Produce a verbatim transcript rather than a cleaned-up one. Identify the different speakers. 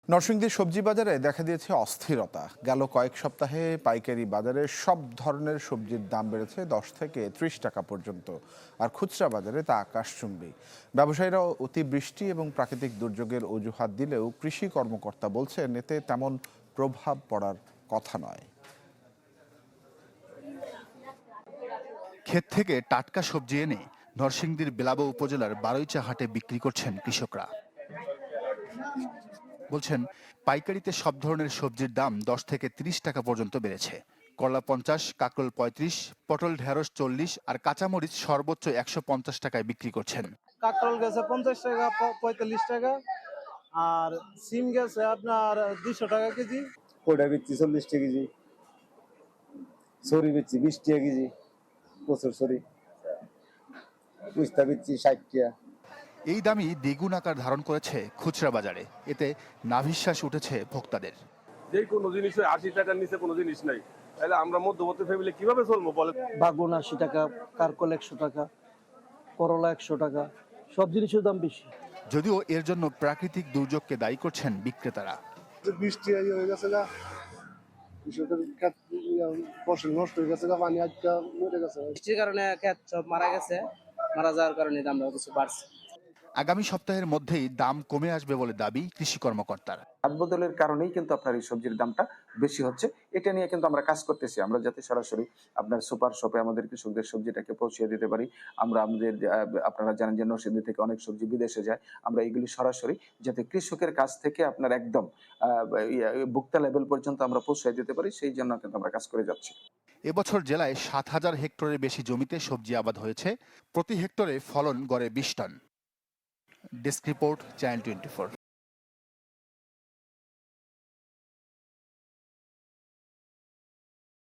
Speaker 1: নরসিংদীর সবজি বাজারে দেখা দিয়েছে অস্থিরতা। গেল কয়েক সপ্তাহে পাইকারি বাজারে সব ধরনের সবজির দাম বেড়েছে দশ থেকে ত্রিশ টাকা পর্যন্ত, আর খুচরা বাজারে তা আকাশচুম্বী। ব্যবসায়ীরা অতিবৃষ্টি এবং প্রাকৃতিক দুর্যোগের অজুহাত দিলেও কৃষি কর্মকর্তা বলছেন এতে তেমন প্রভাব পড়ার কথা নয়।
Speaker 2: ক্ষেত থেকে টাটকা সবজি এনে নরসিংদীর বেলাবো উপজেলার বারৈচা হাটে বিক্রি করছেন কৃষকরা। বলছেন পাইকারিতে সব ধরনের সবজির দাম দশ থেকে ত্রিশ টাকা পর্যন্ত বেড়েছে। করলা পঞ্চাশ, কাকরোল পঁয়ত্রিশ, পটল ঢেঁড়স চল্লিশ আর কাঁচামরিচ সর্বোচ্চ একশো পঞ্চাশ টাকায় বিক্রি করছেন।
Speaker 3: কাকরোল গেছে পঞ্চাশ টাকা, পঁয়তাল্লিশ টাকা, আর সিম গেছে আপনার দুইশো টাকা কেজি।
Speaker 4: কোটা বেচছি চল্লিশ টাকা কেজি, সরি বেচছি বিশ টাকা কেজি, প্রচুর সরি পুস্তা বেচছি ষাট টাকা।
Speaker 2: এই দামই দ্বিগুণ আকার ধারণ করেছে খুচরা বাজারে। এতে নাভিশ্বাস উঠেছে ভোক্তাদের।
Speaker 5: যে কোনো জিনিস আশি টাকার নিচে কোনো জিনিস নাই, তাহলে আমরা মধ্যবর্তী ফ্যামিলি কিভাবে চলবো বলে।
Speaker 3: বাগুন আশি টাকা, কারকল একশো টাকা, করলা একশো টাকা, সব জিনিসের দাম বেশি।
Speaker 2: যদিও এর জন্য প্রাকৃতিক দুর্যোগকে দায়ী করছেন বিক্রেতারা।
Speaker 4: বৃষ্টি হয়ে গেছে গা, কৃষকের ফসল নষ্ট হয়ে গেছে গা, পানি আজকা মরে গেছে।
Speaker 3: বৃষ্টির কারণে ক্ষেত সব মারা গেছে, মারা যাওয়ার কারণে দামটা কিছু বাড়ছে।
Speaker 2: আগামী সপ্তাহের মধ্যেই দাম কমে আসবে বলে দাবি কৃষি কর্মকর্তার।
Speaker 6: হাত বদলের কারণেই কিন্তু আপনার এই সবজির দামটা বেশি হচ্ছে। এটা নিয়ে কিন্তু আমরা কাজ করতেছি, আমরা যাতে সরাসরি আপনার সুপার শপে আমাদের কৃষকদের সবজিটাকে পৌঁছে দিতে পারি। আমরা আমাদের আপনারা জানেন যে নরসিংদী থেকে অনেক সবজি বিদেশে যায়, আমরা এগুলি সরাসরি যাতে কৃষকের কাছ থেকে আপনার একদম ভোক্তা লেভেল পর্যন্ত আমরা পৌঁছে দিতে পারি, সেই জন্য কিন্তু আমরা কাজ করে যাচ্ছি।
Speaker 2: এবছর জেলায় সাত হাজার হেক্টরের বেশি জমিতে সবজি আবাদ হয়েছে। প্রতি হেক্টরে ফলন গড়ে বিশ ton. Desk report, channel twenty four.